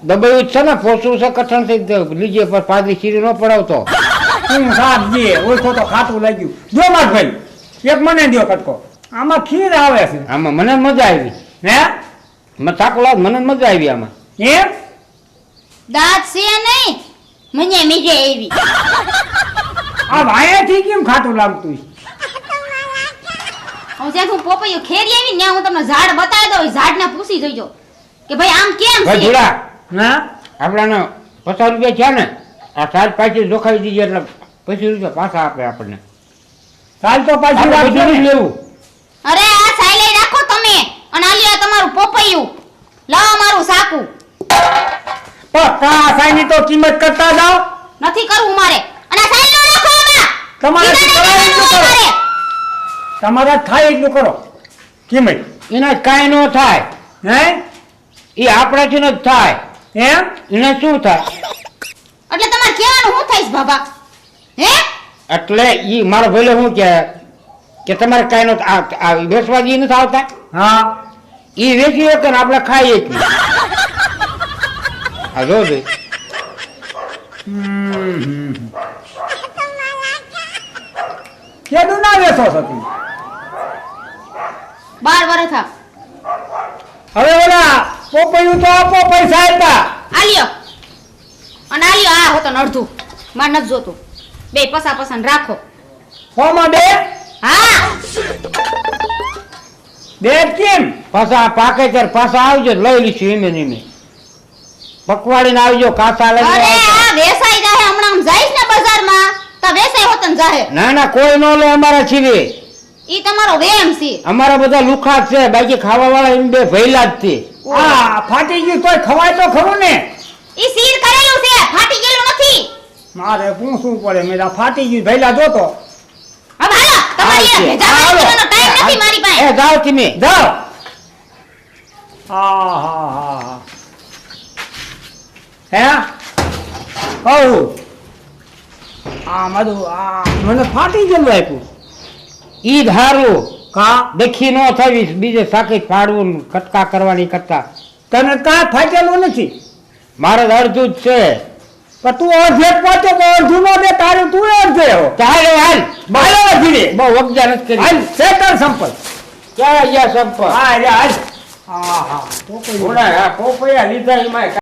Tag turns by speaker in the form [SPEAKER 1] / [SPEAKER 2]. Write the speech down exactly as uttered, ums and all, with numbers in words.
[SPEAKER 1] દબાયું છે ને પોસું છે કઠણ થઈ લીજે પર પાદરી ચીરી ન પડાવતો
[SPEAKER 2] હું સાત દે ઓળખો તો ખાતું લાગ્યું જો માર ભાઈ એક મને દો કટકો આમાં ખીર આવે છે
[SPEAKER 1] આમાં મને મજા આવી
[SPEAKER 2] હે
[SPEAKER 1] મને થાકો લાગ મને મજા આવી આમાં
[SPEAKER 2] એમ
[SPEAKER 3] દાંત છે નહીં મને મીજે આવી
[SPEAKER 2] આ વાયાથી કેમ ખાતું લાગતું
[SPEAKER 3] હું જ્યાં હું પોપૈયું ખેરી આવી ને હું તમને ઝાડ બતાવી દઉં ઝાડને પૂછી જોઈજો કે ભાઈ આમ કેમ
[SPEAKER 1] ભાઈ
[SPEAKER 3] છે
[SPEAKER 1] જોડા
[SPEAKER 2] હા
[SPEAKER 1] આપણાને પચાસ રૂપિયા છે ને આ સાત પાછી જોખાવી દીધી એટલે પચીસ રૂપિયા પાછા આપે આપણને
[SPEAKER 2] કાલ તો પાછી
[SPEAKER 1] આપણે
[SPEAKER 2] રાખજો
[SPEAKER 1] બધું જ
[SPEAKER 2] ને.
[SPEAKER 1] લેવું
[SPEAKER 3] અરે આ સાયલે રાખો તમે અને આ લ્યો તમારું પોપૈયું લાવો મારું સાકુ
[SPEAKER 2] પણ કા સાઈની તો કિંમત કરતા જાઓ
[SPEAKER 3] નથી કરવું મારે અને આ સાયલો રાખો એમાં
[SPEAKER 2] તમારે
[SPEAKER 3] બીજાને
[SPEAKER 2] કરાય એટલું
[SPEAKER 3] દેવાનું
[SPEAKER 2] કરો.
[SPEAKER 3] મારે.
[SPEAKER 2] તમારા થાય એટલું કરો કિંમત
[SPEAKER 1] એને કાંઈ ન થાય
[SPEAKER 2] હે
[SPEAKER 1] એ આપણાથી ન જ થાય
[SPEAKER 2] એમ
[SPEAKER 1] એને શું થાય
[SPEAKER 3] એટલે તમારે કહેવાનું હું થઈશ બાબા હે
[SPEAKER 1] એટલે ઈ મારો ભલે શું કે કે તમારે કાંઈ નો આ આ વેચવા જી નથી આવતા
[SPEAKER 2] હા
[SPEAKER 1] ઈ વેચી શકે ને આપણે ખાઈએ જ નહીં. આ જો ભાઈ
[SPEAKER 2] હમ કેદું ના વેચો છો તમે
[SPEAKER 3] બાર વર્ષ થા
[SPEAKER 2] હવે ઓલા પોપૈયું તો આપો પૈસા આપ્યા
[SPEAKER 3] આ લ્યો અને આ લ્યો આ હોતો ને અડધું માર નથી જોતું બે પસા પસા ને રાખો
[SPEAKER 2] હોમાં બે
[SPEAKER 3] હા
[SPEAKER 2] બે કેમ
[SPEAKER 1] પાછા પાકે ત્યારે પાછા આવજો લઈ લઈશું એમે ને એમે પકવાડીને આવજો કાસા લઈને
[SPEAKER 3] અરે
[SPEAKER 1] આવજો.
[SPEAKER 3] આ વેસાઈ જાહે હમણાં આમ જઈશ ને બજારમાં તો વેસાઈ હોતન જાહે
[SPEAKER 1] ના ના કોઈ નો લે અમારા છીવી
[SPEAKER 3] ઈ તમારો વેમ છે
[SPEAKER 1] અમારા બધા લુખા જ છે બાકી ખાવા વાળા એમ બે ભૈલા જ છે
[SPEAKER 2] આ ફાટી ગયું તોય ખવાય તો ખરું ને
[SPEAKER 3] ઈ સીર કરેલું છે ફાટી ગયેલું નથી
[SPEAKER 2] મારે પૂછવું પડે મેરા ફાટી ગયું ભઈલા જોતો
[SPEAKER 3] હવે હાલો તમારી
[SPEAKER 1] આવશે.
[SPEAKER 3] ભેજા
[SPEAKER 1] હાલો.
[SPEAKER 3] કરવાનો ટાઈમ નથી મારી પાસે
[SPEAKER 1] એ જાઓ તમે
[SPEAKER 2] જાઓ હા હા હા હા હે હઉ આ મારું આ મને ફાટી ગયેલું આપ્યું
[SPEAKER 1] ઈ ધારું
[SPEAKER 2] કા
[SPEAKER 1] દેખી ન થવી બીજે સાકી ફાડવું ને કટકા કરવાની કરતા
[SPEAKER 2] તને કાંઈ ફાટેલું નથી
[SPEAKER 1] મારે તો અડધું જ છે
[SPEAKER 2] પણ તું અડધે પહોંચો તો અડધું નો દે તારું તું અડધે હો
[SPEAKER 1] ચાલે હાલ
[SPEAKER 2] હાલો ધીરે
[SPEAKER 1] બહુ વગજા નથી
[SPEAKER 2] હાલ
[SPEAKER 1] કરી
[SPEAKER 2] સેટર સંપલ
[SPEAKER 1] ક્યાં ગયા સંપર્ક
[SPEAKER 2] હા રે હાલ હા હા તો કોઈ
[SPEAKER 1] પોપૈયા લીધા એમાં